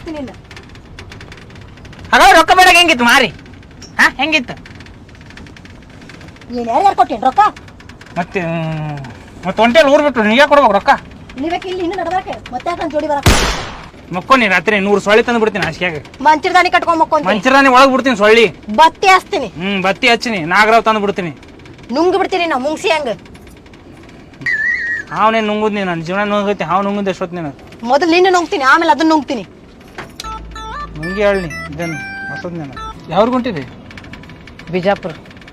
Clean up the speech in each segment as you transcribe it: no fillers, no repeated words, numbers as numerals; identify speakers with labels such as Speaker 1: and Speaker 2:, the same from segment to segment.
Speaker 1: ಹಾಕ್ತೀನಿ ಇನ್ನ.
Speaker 2: ಹಾಗಾದ್ರೆ ರೊಕ್ಕ ಬೇಡ ಹೆಂಗಿತ್ತು ಮಾರಿ ಹೆಂಗಿತ್ತು
Speaker 1: ಏನ್ ಯಾರ್ಯಾರು ಕೊಟ್ಟೇನ್ ರೊಕ್ಕ?
Speaker 2: ಮತ್ತೆ ಒಂಟೇಲಿ ಊರ್ ಬಿಟ್ಟು ನೀವೇ ಕೊಡ್ಬೇಕು ರೊಕ್ಕ.
Speaker 1: ಇಲ್ಲಿಬೇಕು ಇಲ್ಲಿ ಇನ್ನು ನಡ್ಬಾಕೆ ಮತ್ತೆ ಯಾಕಂತ ಜೋಡಿ ಬರಕ
Speaker 2: ಮಕ್ಕೋನಿ ರಾತ್ರಿ 100 ಸೊಳ್ಳಿ ತಂದು ಬಿಡ್ತೀನಿ ಹಾಸಿಗೆಗೆ.
Speaker 1: ಮಂಚಿರದಾನಿ ಕಟ್ಕೊಂಡ್ ಮಕ್ಕೊಂತೀನಿ.
Speaker 2: ಮಂಚಿರದಾನಿ ಒಳಗ್ ಬಿಡ್ತೀನಿ ಸೊಳ್ಳಿ.
Speaker 1: ಬತ್ತಿ ಹಚ್ತೀನಿ.
Speaker 2: ಬತ್ತಿ ಹಚ್ಚಿನಿ ನಾಗರಾವ್ ತಂದು ಬಿಡ್ತೀನಿ.
Speaker 1: ನುಂಗ್ ಬಿಡ್ತೀನಿ ನಾವು ಮುಂಗ್ಸಿ ಹಂಗ.
Speaker 2: ಅವನೇನು ನುಂಗುದ್ ನೀನು ನನ್ನ ಜೀವನ ನುಂಗೈತಿ. ಹಾವು ನುಂಗುದ್ ಎಷ್ಟೊತ್ತು ನೀನು?
Speaker 1: ಮೊದಲು ನಿನ್ನ ನುಂಗ್ತೀನಿ ಆಮೇಲೆ ಅದನ್ನ ನುಂಗ್ತೀನಿ.
Speaker 2: ನುಂಗಿ ಹೇಳಿ ಇದನ್ನು ಹೊಸದ್ ನೀನು. ಯಾವ್ರು ಹೊಂಟಿರಿ?
Speaker 1: ಬಿಜಾಪುರ.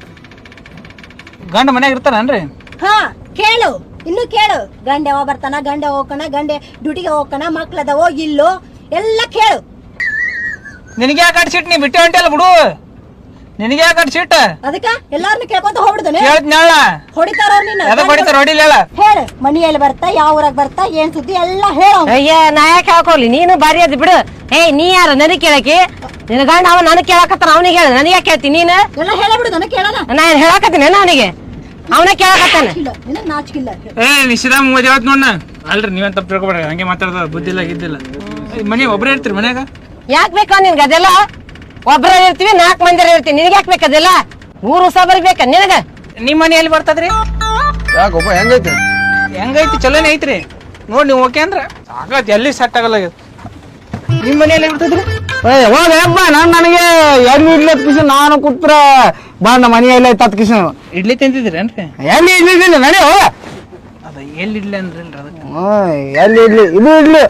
Speaker 2: ಗಂಡ ಮನ್ಯಾಗ ಇರ್ತಾರನ್ರಿ?
Speaker 1: ಹಾ ಕೇಳು ಇನ್ನು ಕೇಳು. ಗಂಡ ಯಾವ ಬರ್ತಾನ, ಗಂಡ ಹೋಗ್ಕಣ, ಗಂಡ ಡ್ಯೂಟಿಗೆ ಹೋಗ್ಕಣ, ಮಕ್ಳದವೋ ಇಲ್ಲೋ ಎಲ್ಲ ಕೇಳು.
Speaker 2: ನಿನಗೆ ಯಾಕೆ ಅಡ್ಸಿಟ್ ನೀ ಬಿಟ್ಟೆ ಹೊಂಟಲ್ಲ ಬಿಡು. ನಿನಗೆ ಯಾಕೆ ಅಡ್ಸಿಟ್?
Speaker 1: ಅದಕ್ಕ ಎಲ್ಲಾರನ್ನು ಕೇಳ್ಕೊಂತ ಹೋಗ್ಬಿಡ್ತಾನೆ.
Speaker 2: ಹೇಳ್ತಿನಲ್ಲ
Speaker 1: ಹೊಡಿತಾರ ನಿನ್ನ.
Speaker 2: ಎದಕ್ಕೆ ಹೊಡಿತಾರ? ಹೊಡಿಲಿಲ್ಲ.
Speaker 1: ಹೇಳು ಮನಿಯಲ್ಲಿ ಬರ್ತಾ ಯಾವ ಊರಾಗ ಬರ್ತಾ ಏನ್ ಸುದ್ದಿ ಎಲ್ಲ ಹೇಳು.
Speaker 3: ಅಯ್ಯ ನಾ ಯಾಕೆ ಹಾಕೋಲಿ? ನೀನು ಬಾರಿ ಅದ್ ಬಿಡು. ನೀ ಯಾರು ನನಗೆ ಕೇಳಕಿ? ನಿನ್ನ ಗಂಡ ಅವ ನನಗೆ ಕೇಳಕತ್ತಾನ, ಅವನಿಗೆ ಹೇಳ. ನನಗೆ ಯಾಕೆ ಕೇಳ್ತೀನಿ ನೀನು?
Speaker 1: ಎಲ್ಲ ಹೇಳಬಿಡು ನನಗೆ ಕೇಳೋಣ.
Speaker 3: ನಾನು ಹೇಳಕತ್ತೀನಿ ಅವನಿಗೆ, ಅವನ ಕೇಳಕತ್ತಾನ.
Speaker 1: ನಿನಗೆ ನಾಚಿಕಿಲ್ಲ.
Speaker 2: ನಿಶ್ಚಿತಾಮ್ ಓದಿ ಯಾವತ್ ನೋಡ. ಅಲ್ರಿ ನೀವೇನ್ ತಪ್ಪು ತಿಳ್ಕೊಬೇಡ್ರಿ, ಹಂಗೆ ಮಾತಾಡ್ದ ಬುದ್ಧಿ ಇಲ್ಲ ಗಿದ್ದಿಲ್ಲ. ಮನೆ ಒಬ್ಬರೇ ಇರ್ತೀರಿ ಮನ್ಯಾಗ?
Speaker 3: ಯಾಕೆ ಬೇಕಾ ನಿನ್ಗೆ ಅದೆಲ್ಲ? ಒಬ್ಬರ ಇರ್ತೀವಿ, 4 ಮಂದಿ ಇರ್ತೀವಿ. ನಿನಗೆ ಯಾಕೆ ಬೇಕದೆಲ್ಲ? ಊರು ಹೊಸ ಬರ್ಬೇಕ ನಿನಗ?
Speaker 2: ನಿಮ್ಮ ಮನೆ ಎಲ್ಲಿ ಬರ್ತದ್ರಿ?
Speaker 4: ಯಾಕಪ್ಪ ಹೆಂಗೈತಿ?
Speaker 2: ಹೆಂಗೈತಿ? ಚಲೋನೇ ಐತ್ರಿ. ನೋಡಿ ನೀವು ಓಕೆ ಅಂದ್ರ ಸಾಕತ್, ಎಲ್ಲಿ ಸೆಟ್ ಆಗಲ್ಲ. ನಿಮ್ಮ ಮನೆಯಲ್ಲಿ ಬರ್ತದ್ರಿ?
Speaker 4: ಹೋಗಪ್ಪ ನನಗೆ ಎಲ್ಲಿ ಇಡ್ಲಿ ಕಿಶನ್ ನಾನು ಕೂತ್ರ ಬಾ ನಮ್ಮ ಮನೆಯಲ್ಲ ತತ್ ಕಿಶನ್
Speaker 2: ಇಡ್ಲಿ ತಿಂತಿದ್ರೇನ್ರಿ?
Speaker 4: ಎಲ್ಲಿ ಇಡ್ಲಿ ನಡಿ ಹೋಗ.
Speaker 2: ಅದ ಎಲ್ಲಿ ಇಡ್ಲಿ ಅಂದ್ರಿ ಅದಕ್ಕೆ
Speaker 4: ಎಲ್ಲಿ ಇಡ್ಲಿ ಇದು ಇಡ್ಲಿ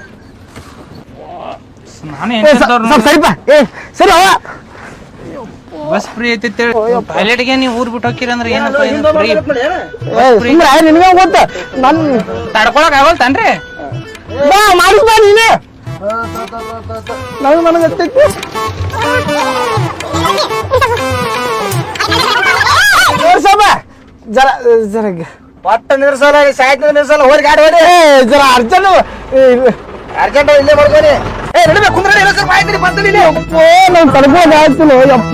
Speaker 2: ನಾನು
Speaker 4: ಸರಿಪ ಸರಿ ಹೋಗ.
Speaker 2: ಬಸ್ ಫ್ರೀ ಐತಿ ಟಾಯ್ಲೆಟ್ಗೆ ನೀವು ಊರ್ ಬಿಟ್ಟು ಹೋಗಿರಿ ಅಂದ್ರೆ ಏನಪ್ಪ
Speaker 4: ನಿನಗೆ ಗೊತ್ತ ನನ್
Speaker 2: ತಡ್ಕೊಳಕ್ ಆಗಲ್ತನ್ರಿ?
Speaker 4: ಬಾ ಮಾಡಿಸ್ ಬಾ ನೀನೆ. ನನಗೆ ಜರ ಜರ
Speaker 2: ಪಟ್ಟ ನಿರ್ಸಲ್ಲ ಸಾಯ್ತ ನಿರ್ಸಲ್ಲ ಹೋಗಿ ಗಾಡಿ ಹೊಡಿ.
Speaker 4: ಜರ ಅರ್ಜೆಂಟ್
Speaker 2: ಅರ್ಜೆಂಟ್ ಇಲ್ಲೇ ಮಾಡ್ಕೋರಿ. ನಡಿಬೇಕು ಕುಂದ್ರೆ
Speaker 4: ನಾನು ತಡ್ಕೊಂಡು ಆಗ್ತಿಲ್ಲ ಯಪ್ಪ.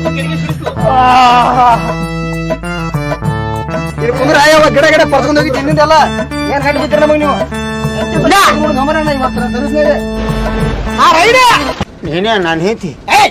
Speaker 2: ಕುಂದ್ರೆ ಗಿಡ ಗಿಡ ಪರ್ಸ್ಕೊಂಡು ಹೋಗಿ ತಿಂದಿದ್ದೆಲ್ಲ ಏನ್ ಕಟ್ಟಿ ಬಿಡ್ತೀರ ನಮಗೆ ನೀವು?
Speaker 4: ನೀನೇ ನಾನು ಹೇಳ್ತಿ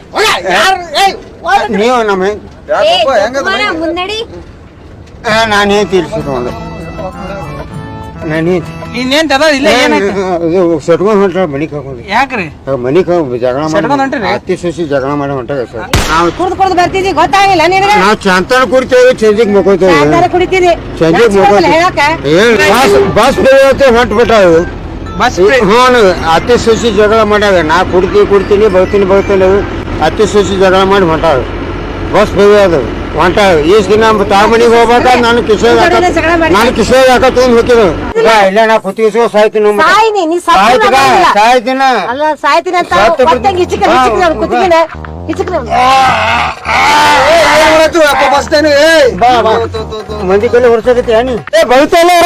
Speaker 4: ನೀವು ನಮ್ಮ
Speaker 1: ಮುನ್ನಡಿ
Speaker 4: ನಾನು ಹೇಳ್ತಿ ಇರ್ಸಿಕೊಂಡು ನಾನು ಹೇಳ್ತಿ
Speaker 2: ಇನ್ನೇನ್ ತದ ಇಲ್ಲ
Speaker 4: ಸಟ್ಕೊಂಡ್ ಹೊಂಟ ಮನಿಗ್ ಹಾಕೊಂಡು.
Speaker 2: ಯಾಕ್ರಿ
Speaker 4: ಮನಿಗ್ ಜಗಳ
Speaker 2: ಹೊಂಟ್ರಿ?
Speaker 4: ಅತ್ತಿ ಸಸಿ ಜಗಳ ಮಾಡಿ ಹೊಂಟಾಗ ಸರ್. ನಾವು
Speaker 3: ಕುಡ್ದು ಬರ್ತಿದ್ದಿ ಗೊತ್ತಾಗಿಲ್ಲ ನಿನಗೆ?
Speaker 4: ನಾವು ಚಂತನ ಕುಡಿತೇವೆ, ಚಂದಿಗೆ ಮುಕ್ಕೋತೇವೆ.
Speaker 3: ಕುಡಿತಿದ್ದಿ
Speaker 4: ಚಂದಿಗೆ ಬಸ್ ಬೇರೆ ಹೊಂಟು ಬಿಟ್ಟಾವು.
Speaker 2: ಬಸ್
Speaker 4: ಹ್ಞೂ ಅತ್ತಿ ಸಸಿ ಜಗಳ ಮಾಡ್ಯಾವ. ನಾ ಕುಡ್ತೀನಿ ಬರ್ತೀನಿ ಅತ್ತಿ ಸಸಿ ಜಗಳ ಮಾಡಿ ಹೊಂಟಾವ. ಬಸ್ ಬೇರೆ ಅದು ಹೊಂಟಾವ. ಈಸ್ ದಿನ ತಾಮನಿಗೆ ಹೋಗ್ಬೇಕಾದ್ರೆ ನಾನು ಕಿಶೋರ್ ಯಾಕ ತೊಗೊಂಡ್ ಹೋಗಿದ್ದು ಇಲ್ಲ. ನಾ ಕುತ್ತಿಗೆ ಸಾಯ್ತೀನಿ ಸಾಯ್ತಿನ
Speaker 3: ಸಾಯ್ತೀನಿ ಅಂತ
Speaker 4: ಮಂದಿ ಕೈಲಿ ಹೊಡ್ಸಕತ್ತಿ ನೀ ಬರ್ತೀನಿ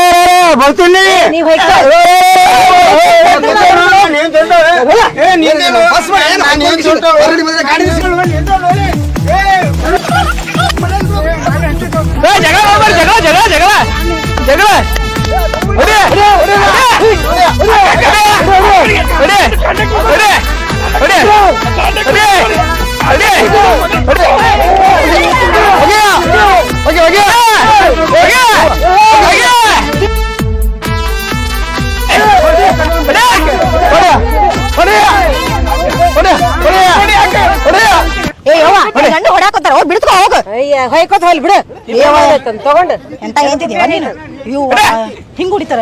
Speaker 1: ಹೊಡಾಕೋತಾರ ಬಿಡ್ಕೊ ಹೋಗ.
Speaker 3: ಹೊಯ್ಕೋತ ಹೋಲ್ ಬಿಡು ತಗೊಂಡು
Speaker 1: ಎಂತ ಹೇಳ್ತಿದೀವ ನೀನು? ಹಿಂಗ್ ಹೊಡಿತಾರ.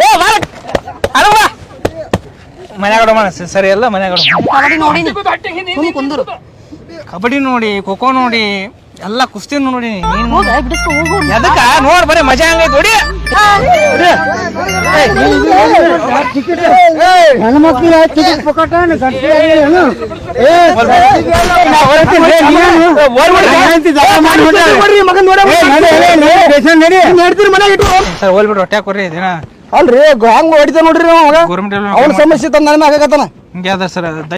Speaker 2: ಮನ್ಯಾಗ ಸರಿ ಅಲ್ಲ ಮನ್ಯಾಗ
Speaker 1: ಕಬಡ್ಡಿ ನೋಡಿ ಕುಂದರು.
Speaker 2: ಕಬಡ್ಡಿ ನೋಡಿ, ಖೋಖೋ ನೋಡಿ, ಎಲ್ಲ ಕುಸ್ತಿ ನೋಡಿ.
Speaker 1: ಬಿಡಿಸ್ಕೊ ಹೋಗು.
Speaker 2: ಎದಕ್ಕ ನೋಡ್ ಬರೀ ಮಜಾ ಹಂಗೈತಿ. ಹೊಡಿ
Speaker 4: ಹೆಣ್ಮಕ್ಳು ಟಿಕೆಟ್ ಪೊಕಟ
Speaker 2: ಸರ್ ಹೋಲ್ಬಿಟ್ಟು ಹೊಟ್ಟೆ ಕೊಡ್ರಿ ದಿನ
Speaker 4: ಅಲ್ರಿ ಹಂಗ ಹೊಡಿತ ನೋಡ್ರಿ.
Speaker 2: ಗೌರ್ಮೆಂಟ್
Speaker 4: ಅವ್ನ ಸಮಸ್ಯೆ ತಂದ ಆಗಕತ್ತಾನ.
Speaker 2: ಹಿಂಗೆ ಅದ ಸರ್.